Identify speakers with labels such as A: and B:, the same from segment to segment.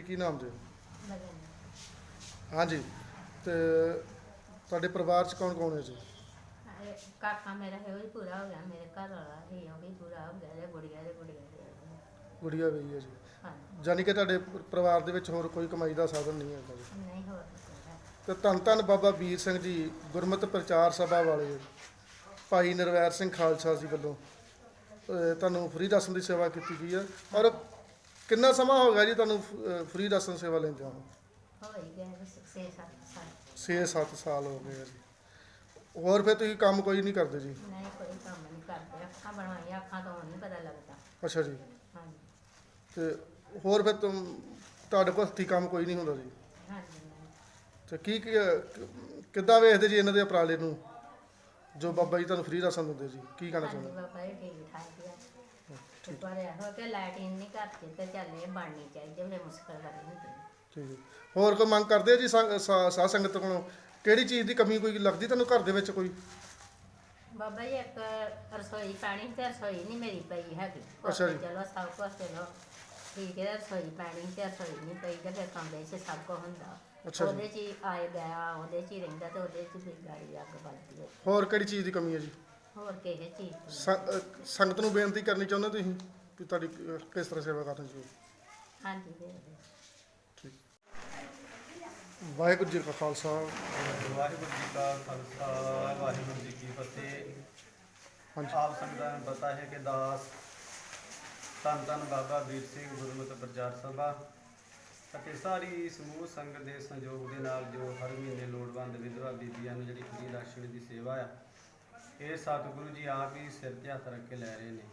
A: ਕੀ ਨਾਮ ਜੀ?
B: ਲਗਨ
A: ਹਾਂਜੀ। ਤੇ ਤੁਹਾਡੇ ਪਰਿਵਾਰ 'ਚ ਕੌਣ ਕੌਣ ਹੈ ਜੀ?
B: ਕਾਕਾ ਮੇਰਾ ਹੈ ਉਹ ਵੀ ਪੂਰਾ ਹੋ ਗਿਆ, ਮੇਰੇ ਘਰ ਵਾਲਾ ਸੀ ਉਹ ਵੀ ਪੂਰਾ ਹੋ ਗਿਆ, ਤੇ ਗੁੜੀਆ ਦੇ
A: ਗੁੜੀਆ ਵੀ ਹੈ ਜੀ।
B: ਹਾਂਜੀ।
A: ਯਾਨੀ ਕਿ ਤੁਹਾਡੇ ਪਰਿਵਾਰ ਦੇ ਵਿੱਚ ਹੋਰ ਕੋਈ ਕਮਾਈ ਦਾ ਸਾਧਨ ਨਹੀਂ ਹੈਗਾ ਜੀ।
B: ਨਹੀਂ ਹੋਰ ਕੋਈ।
A: ਤੇ ਧੰਨ ਧੰਨ ਬਾਬਾ ਵੀਰ ਸਿੰਘ ਜੀ ਗੁਰਮਤਿ ਪ੍ਰਚਾਰ ਸਭਾ ਵਾਲੇ ਭਾਈ ਨਿਰਵੈਰ ਸਿੰਘ ਖਾਲਸਾ ਜੀ ਵੱਲੋਂ ਤੁਹਾਨੂੰ ਫ੍ਰੀ ਰਾਸ਼ਨ ਦੀ ਸੇਵਾ ਕੀਤੀ ਗਈ ਹੈ। ਔਰ ਕਿੰਨਾ ਸਮਾਂ ਹੋ ਗਿਆ ਜੀ ਤੁਹਾਨੂੰ ਫ੍ਰੀ ਰਾਸ਼ਨ ਸੇਵਾ ਲੈਂਦਿਆਂ ਨੂੰ?
B: ਹੋ ਹੀ ਗਏ 6-7 ਸਾਲ।
A: 6-7 ਸਾਲ ਹੋ ਗਏ ਆ ਜੀ। ਹੋਰ ਫਿਰ ਤੁਸੀਂ ਕੰਮ ਕੋਈ ਨਹੀਂ ਕਰਦੇ ਜੀ?
B: ਨਹੀਂ ਕੋਈ ਕੰਮ ਨਹੀਂ ਕਰਦੇ, ਅੱਖਾਂ ਬਣਵਾਈਆਂ, ਅੱਖਾਂ ਤੋਂ ਨਹੀਂ ਪਤਾ ਲੱਗਦਾ।
A: ਅੱਛਾ ਜੀ।
B: ਹਾਂਜੀ
A: ਤੇ ਹੋਰ ਫਿਰ ਤੁਹਾਡੇ ਕੋਲ ਹੱਥੀਂ ਕੰਮ ਕੋਈ ਨਹੀਂ ਹੁੰਦਾ ਜੀ?
B: ਹਾਂਜੀ। ਨਹੀਂ
A: ਤੇ ਕਿੱਦਾਂ ਵੇਖਦੇ ਜੀ ਇਹਨਾਂ ਦੇ ਉਪਰਾਲੇ ਨੂੰ ਜੋ ਬਾਬਾ ਜੀ ਤੁਹਾਨੂੰ ਫ੍ਰੀ ਰਾਸ਼ਨ ਦਿੰਦੇ ਜੀ? ਕੀ ਕਹਿਣਾ
B: ਹਾਂਜੀ
A: ਚਾਹੁੰਦੇ?
B: ਬਾਬਾ ਜੀ ਠੀਕ ਠਾਕ ਆ। ਤੇ ਪਰ ਇਹੋ ਕਿ ਲਾਈਟਿੰਗ ਨਹੀਂ ਘਰ 'ਚ ਤੇ ਚੱਲ ਇਹ ਬਣਨੀ ਚਾਹੀਦੀ, ਬੜੇ ਮੁਸ਼ਕਲ ਵਾਲੀ ਹੁੰਦੀ।
A: ਠੀਕ ਹੈ। ਹੋਰ ਕੋਈ ਮੰਗ ਕਰਦੇ ਆ ਜੀ ਸਾਧ ਸੰਗਤ ਕੋਲੋਂ? ਕਿਹੜੀ ਚੀਜ਼ ਦੀ ਕਮੀ ਕੋਈ ਲੱਗਦੀ ਤੁਹਾਨੂੰ ਘਰ ਦੇ ਵਿੱਚ ਕੋਈ?
B: ਬਾਬਾ ਜੀ ਇੱਕ ਰਸੋਈ ਪਾਣੀ ਤੇ ਰਸੋਈ ਨਹੀਂ ਮੇਰੀ ਪਈ ਹੈਗੀ।
A: ਅੱਛਾ ਜੀ।
B: ਚਲੋ ਸਭ ਕੁਛ ਚਲੋ ਠੀਕ ਹੈ, ਰਸੋਈ ਪਾਣੀ ਤੇ ਰਸੋਈ ਨਹੀਂ ਪਈ ਤੇ ਫਿਰ ਕਮਰੇ 'ਚ ਸਭ ਕੁਛ ਹੁੰਦਾ।
A: ਅੱਛਾ ਜੀ।
B: ਉਹਦੇ 'ਚ ਹੀ ਆਏ ਗਿਆ, ਉਹਦੇ 'ਚ ਹੀ ਰਹਿੰਦਾ ਤੇ ਉਹਦੇ 'ਚ ਵੀ ਗਾੜੀ ਅੱਗ ਬਲਦੀ ਹੈ।
A: ਹੋਰ ਕਿਹੜੀ ਚੀਜ਼ ਦੀ ਕਮੀ ਹੈ ਜੀ?
B: ਹੋਰ ਕਿਸੇ ਚੀਜ਼ ਦੀ ਨਹੀਂ।
A: ਸੰਗਤ ਨੂੰ ਬੇਨਤੀ ਕਰਨੀ ਚਾਹੁੰਦੇ ਤੁਸੀਂ ਕਿ ਤੁਹਾਡੀ ਕਿਸ ਤਰ੍ਹਾਂ ਸੇਵਾ ਕਰਨੀ ਚਾਹੀਦੀ?
B: ਹਾਂਜੀ ਦੇ ਦਿਓ।
A: ਠੀਕ। ਵਾਹਿਗੁਰੂ ਜੀ ਕਾ ਖਾਲਸਾ
C: ਵਾਹਿਗੁਰੂ ਜੀ ਕਾ ਖਾਲਸਾ ਵਾਹਿਗੁਰੂ ਜੀ ਕੀ ਫਤਿਹ।
A: ਹਾਂਜੀ।
C: ਆਪ ਸੰਗਤਾਂ ਨੂੰ ਪਤਾ ਹੈ ਕਿ ਦਾਸ ਧੰਨ ਧੰਨ ਬਾਬਾ ਵੀਰ ਸਿੰਘ ਗੁਰਮਤਿ ਪ੍ਰਚਾਰ ਸਭਾ ਅਤੇ ਸਾਰੀ ਸਮੂਹ ਸੰਗਤ ਦੇ ਸਹਿਯੋਗ ਦੇ ਨਾਲ ਜੋ ਹਰ ਮਹੀਨੇ ਲੋੜਵੰਦ ਵਿਧਵਾ ਬੀਬੀਆਂ ਨੂੰ ਜਿਹੜੀ ਫ੍ਰੀ ਰਾਸ਼ਨ ਦੀ ਸੇਵਾ ਆ, ਇਹ ਸਤਿਗੁਰੂ ਜੀ ਆਪ ਹੀ ਸਿਰ ਤੇ ਹੱਥ ਰੱਖ ਕੇ ਲੈ ਰਹੇ ਨੇ।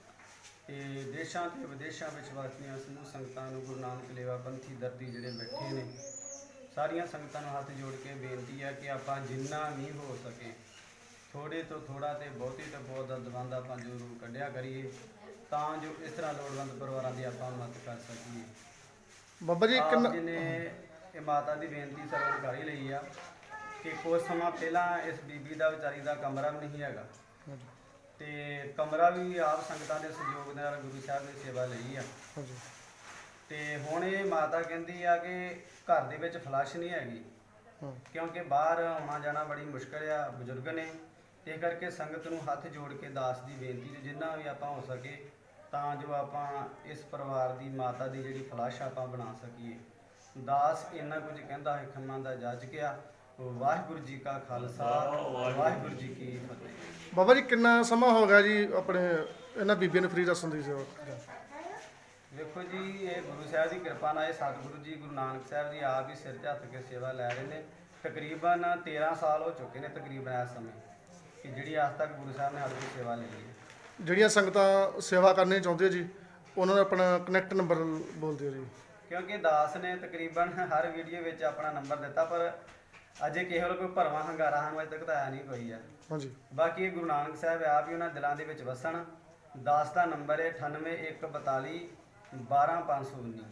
C: ਤੇ ਦੇਸ਼ਾਂ ਤੇ ਵਿਦੇਸ਼ਾਂ ਵਿੱਚ ਵਸਦੀਆਂ ਸਮੂਹ ਸੰਗਤਾਂ ਨੂੰ ਗੁਰੂ ਨਾਨਕ ਲੇਵਾ ਪੰਥੀ ਦਰਦੀ ਜਿਹੜੇ ਬੈਠੇ ਨੇ, ਸਾਰੀਆਂ ਸੰਗਤਾਂ ਨੂੰ ਹੱਥ ਜੋੜ ਕੇ ਬੇਨਤੀ ਹੈ ਕਿ ਆਪਾਂ ਜਿੰਨਾ ਵੀ ਹੋ ਸਕੇ ਥੋੜੇ ਤੋਂ ਥੋੜਾ ਤੇ ਬਹੁਤੀ ਤੋਂ ਬਹੁਤ ਦਾ ਦਵੰਦ ਆਪਾਂ ਜ਼ਰੂਰ ਕੱਢਿਆ ਕਰੀਏ, ਤਾਂ ਜੋ ਇਸ ਤਰ੍ਹਾਂ ਲੋੜਵੰਦ ਪਰਿਵਾਰਾਂ ਦੀ ਆਪਾਂ ਮਦਦ ਕਰ ਸਕੀਏ।
A: ਬਾਬਾ ਜੀ
C: ਆਪ ਜੀ ਨੇ ਇਹ ਮਾਤਾ ਦੀ ਬੇਨਤੀ ਸਰਵਣ ਕਰ ਹੀ ਲਈ ਆ ਕਿ ਕੁਝ ਸਮਾਂ ਪਹਿਲਾਂ ਇਸ ਬੀਬੀ ਦਾ ਵਿਚਾਰੀ ਦਾ ਕਮਰਾ ਵੀ ਨਹੀਂ ਹੈਗਾ, ਤੇ ਕਮਰਾ ਵੀ ਆਪ ਸੰਗਤਾਂ ਦੇ ਸਹਿਯੋਗ ਨਾਲ ਗੁਰੂ ਸਾਹਿਬ ਨੇ ਸੇਵਾ ਲਈ ਆ।
A: ਹਾਂਜੀ।
C: ਤੇ ਹੁਣ ਇਹ ਮਾਤਾ ਕਹਿੰਦੀ ਆ ਕਿ ਘਰ ਦੇ ਵਿੱਚ ਫਲਸ਼ ਨਹੀਂ ਹੈਗੀ, ਕਿਉਂਕਿ ਬਾਹਰ ਆਉਣਾ ਜਾਣਾ ਬੜੀ ਮੁਸ਼ਕਲ ਆ, ਬਜ਼ੁਰਗ ਨੇ, ਤੇ ਕਰਕੇ ਸੰਗਤ ਨੂੰ ਹੱਥ ਜੋੜ ਕੇ ਦਾਸ ਦੀ ਬੇਨਤੀ ਜਿੰਨਾ ਵੀ ਆਪਾਂ ਹੋ ਸਕੇ ਤਾਂ ਜੋ ਆਪਾਂ ਇਸ ਪਰਿਵਾਰ ਦੀ ਮਾਤਾ ਦੀ ਜਿਹੜੀ ਫਲਸ਼ ਆਪਾਂ ਬਣਾ ਸਕੀਏ। ਦਾਸ ਇੰਨਾ ਕੁਝ ਕਹਿੰਦਾ ਹੈ ਖੰਮਾਂ ਦਾ ਜੱਜ ਗਿਆ। ਵਾਹਿਗੁਰੂ ਜੀ ਕਾ ਖਾਲਸਾ ਵਾਹਿਗੁਰੂ ਜੀ ਕੀ ਫਤਿਹ।
A: ਬਾਬਾ ਜੀ ਕਿੰਨਾ ਸਮਾਂ ਹੋ ਗਿਆ ਜੀ ਆਪਣੇ ਇਹਨਾਂ ਬੀਬੀਆਂ ਨੂੰ ਫ੍ਰੀ ਰਾਸ਼ਨ ਦੀ ਸੇਵਾ?
C: ਵੇਖੋ ਜੀ, ਇਹ ਗੁਰੂ ਸਾਹਿਬ ਦੀ ਕਿਰਪਾ ਨਾਲ ਇਹ ਸਤਿਗੁਰੂ ਜੀ ਗੁਰੂ ਨਾਨਕ ਸਾਹਿਬ ਜੀ ਆਪ ਹੀ ਸਿਰ ਤੇ ਹੱਥ ਕੇ ਸੇਵਾ ਲੈ ਰਹੇ ਨੇ। ਤਕਰੀਬਨ 13 ਸਾਲ ਹੋ ਚੁੱਕੇ ਨੇ ਤਕਰੀਬਨ ਇਸ ਸਮੇਂ, ਕਿ ਜਿਹੜੀ ਅੱਜ ਤੱਕ ਗੁਰੂ ਸਾਹਿਬ ਨੇ ਸਾਡੀ ਕੋਲ ਸੇਵਾ ਲਈ ਹੈ।
A: ਜਿਹੜੀਆਂ ਸੰਗਤਾਂ ਸੇਵਾ ਕਰਨੀ ਚਾਹੁੰਦੀਆਂ ਜੀ ਉਹਨਾਂ ਦਾ ਆਪਣਾ ਕਨੈਕਟ ਨੰਬਰ ਬੋਲ ਦਿਓ ਜੀ।
C: ਕਿਉਂਕਿ ਦਾਸ ਨੇ ਤਕਰੀਬਨ ਹਰ ਵੀਡੀਓ ਵਿੱਚ ਆਪਣਾ ਨੰਬਰ ਦਿੱਤਾ, ਪਰ ਅਜੇ ਕਿਸੇ ਵੱਲ ਕੋਈ ਭਰਵਾਂ ਹੰਗਾਰਾ ਸਾਨੂੰ ਅਜੇ ਤੱਕ ਤਾਂ ਆਇਆ ਨਹੀਂ ਕੋਈ ਆ।
A: ਹਾਂਜੀ।
C: ਬਾਕੀ ਇਹ ਗੁਰੂ ਨਾਨਕ ਸਾਹਿਬ ਆਪ ਹੀ ਉਹਨਾਂ ਦਿਲਾਂ ਦੇ ਵਿੱਚ ਵਸਣ। ਦਾਸ ਦਾ ਨੰਬਰ ਹੈ 9814 12519।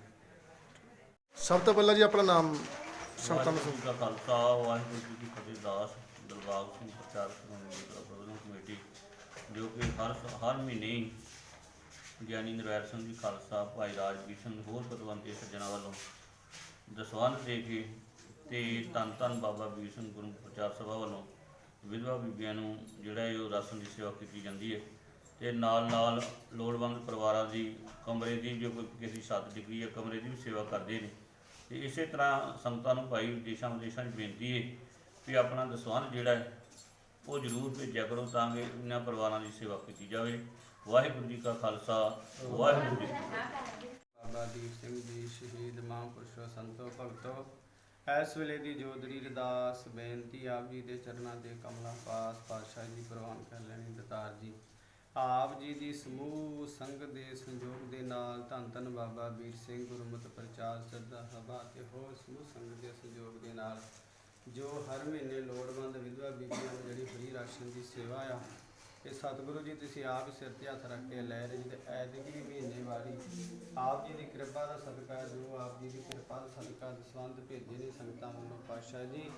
A: ਸਭ ਤੋਂ ਪਹਿਲਾਂ ਜੀ ਆਪਣਾ ਨਾਮ ਸੰਗਤਾਂ ਨੂੰ
D: ਵਾਹਿਗੁਰੂ ਜੀ ਕਾ ਖਾਲਸਾ ਵਾਹਿਗੁਰੂ ਜੀ ਕੀ ਫਤਿਹ। ਦਾਸ ਦਿਲਬਾਗ ਸਿੰਘ ਪ੍ਰਚਾਰ ਪ੍ਰਬੰਧਕ ਕਮੇਟੀ, ਜੋ ਕਿ ਹਰ ਮਹੀਨੇ ਹੀ ਗਿਆਨੀ ਨਿਰਵੈਰ ਸਿੰਘ ਜੀ ਖਾਲਸਾ, ਭਾਈ ਰਾਜਵੀਰ ਸਿੰਘ ਹੋਰ ਪਤਵੰਤੇ ਸੱਜਣਾਂ ਵੱਲੋਂ ਦਸਵੰਧ ਦੇ ਕੇ ਤੇ ਧੰਨ ਧੰਨ ਬਾਬਾ ਵੀਰ ਸਿੰਘ ਗੁਰੂ ਪ੍ਰਚਾਰ ਸਭਾ ਵੱਲੋਂ ਵਿਧਵਾ ਬੀਬੀਆਂ ਨੂੰ ਜਿਹੜਾ ਇਹ ਉਹ ਰਾਸ਼ਨ ਦੀ ਸੇਵਾ ਕੀਤੀ ਜਾਂਦੀ ਹੈ। ਤੇ ਨਾਲ ਨਾਲ ਲੋੜਵੰਦ ਪਰਿਵਾਰਾਂ ਦੀ ਕਮਰੇ ਦੀ, ਜੋ ਕੋਈ ਕਿਸੇ ਦੀ ਛੱਤ ਡਿੱਗੀ ਹੈ, ਕਮਰੇ ਦੀ ਵੀ ਸੇਵਾ ਕਰਦੇ ਨੇ। ਤੇ ਇਸੇ ਤਰ੍ਹਾਂ ਸੰਗਤਾਂ ਨੂੰ ਭਾਈ ਦੇਸ਼ਾਂ ਵਿਦੇਸ਼ਾਂ 'ਚ ਬੇਨਤੀ ਹੈ ਵੀ ਆਪਣਾ ਦਸਵੰਧ ਜਿਹੜਾ ਹੈ ਉਹ ਜ਼ਰੂਰ ਭੇਜਿਆ ਕਰੋ, ਤਾਂ ਕਿ ਇਹਨਾਂ ਪਰਿਵਾਰਾਂ ਦੀ ਸੇਵਾ ਕੀਤੀ ਜਾਵੇ। ਵਾਹਿਗੁਰੂ ਜੀ ਕਾ ਖਾਲਸਾ ਵਾਹਿਗੁਰੂ ਜੀ ਕੀ ਫਤਿਹ।
C: ਬਾਬਾ ਦੀਪ ਸਿੰਘ ਜੀ ਸ਼ਹੀਦ ਮਹਾਂਪੁਰਸ਼ੋ ਸੰਤੋ ਭਗਤੋ, ਇਸ ਵੇਲੇ ਦੀ ਜੋਦੜੀ ਅਰਦਾਸ ਬੇਨਤੀ ਆਪ ਜੀ ਦੇ ਚਰਨਾਂ ਦੇ ਕਮਲਾਂ ਪਾਸ ਪਾਤਸ਼ਾਹ ਜੀ ਪ੍ਰਵਾਨ ਕਰ ਲੈਣੀ। ਦਤਾਰ ਜੀ ਆਪ ਜੀ ਦੀ ਸਮੂਹ ਸੰਗਤ ਦੇ ਸੰਯੋਗ ਦੇ ਨਾਲ ਧੰਨ ਧੰਨ ਬਾਬਾ ਵੀਰ ਸਿੰਘ ਗੁਰਮਤਿ ਪ੍ਰਚਾਰ ਸਭਾ ਤੇ ਹੋਰ ਸਮੂਹ ਸੰਗਤ ਦੇ ਸਹਿਯੋਗ ਦੇ ਨਾਲ ਜੋ ਹਰ ਮਹੀਨੇ ਲੋੜਵੰਦ ਵਿਧਵਾ ਬੀਬੀਆਂ ਨੂੰ ਜਿਹੜੀ ਫ੍ਰੀ ਰਾਸ਼ਨ ਦੀ ਸੇਵਾ ਆ, ਇਹ ਸਤਿਗੁਰੂ ਜੀ ਤੁਸੀਂ ਆਪ ਹੀ ਸਿਰ ਤੇ ਹੱਥ ਰੱਖ ਕੇ ਲੈ ਰਹੇ ਜੀ। ਤੇ ਐਤਕੀ ਮਹੀਨੇ ਵਾਰੀ ਆਪ ਜੀ ਦੀ ਕਿਰਪਾ ਦਾ ਸਦਕਾ, ਜੋ ਆਪ ਜੀ ਦੀ ਕਿਰਪਾ ਦਾ ਸਦਕਾ ਦਸਵੰਧ ਭੇਜੇ ਨੇ ਸੰਗਤਾਂ ਵੱਲੋਂ ਪਾਤਸ਼ਾਹ ਜੀ,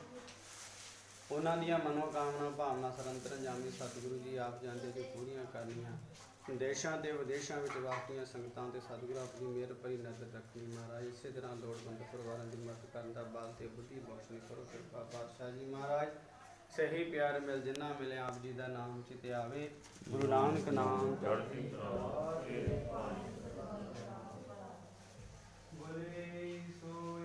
C: ਉਹਨਾਂ ਦੀਆਂ ਮਨੋਕਾਮਨਾ ਭਾਵਨਾ ਸਰੰਤਰ ਜਾਮੀ ਸਤਿਗੁਰੂ ਜੀ ਆਪ ਜਾਣਦੇ ਜੋ ਪੂਰੀਆਂ ਕਰਨੀਆਂ। ਦੇਸ਼ਾਂ ਤੇ ਵਿਦੇਸ਼ਾਂ ਵਿੱਚ ਵਸਦੀਆਂ ਸੰਗਤਾਂ ਤੇ ਸਤਿਗੁਰੂ ਆਪਣੀ ਮਿਹਰ ਭਰੀ ਨਜ਼ਰ ਰੱਖਣੀ ਮਹਾਰਾਜ। ਇਸੇ ਤਰ੍ਹਾਂ ਲੋੜਵੰਦ ਪਰਿਵਾਰਾਂ ਦੀ ਮਦਦ ਕਰਨ ਦਾ ਬਲ ਤੇ ਬੁੱਧੀ ਬਖਸ਼ਣੀ ਕਰੋ ਕਿਰਪਾ ਪਾਤਸ਼ਾਹ ਜੀ ਮਹਾਰਾਜ। ਸਹੀ ਪਿਆਰ ਮਿਲ ਜਿੰਨਾ ਮਿਲੇ ਆਪ ਜੀ ਦਾ ਨਾਮ ਚਿਤੇ ਆਵੇ। ਗੁਰੂ ਨਾਨਕ ਨਾਮ ਚੜ੍ਹਦੀ ਕਲਾ। ਬੋਲੇ ਸੋ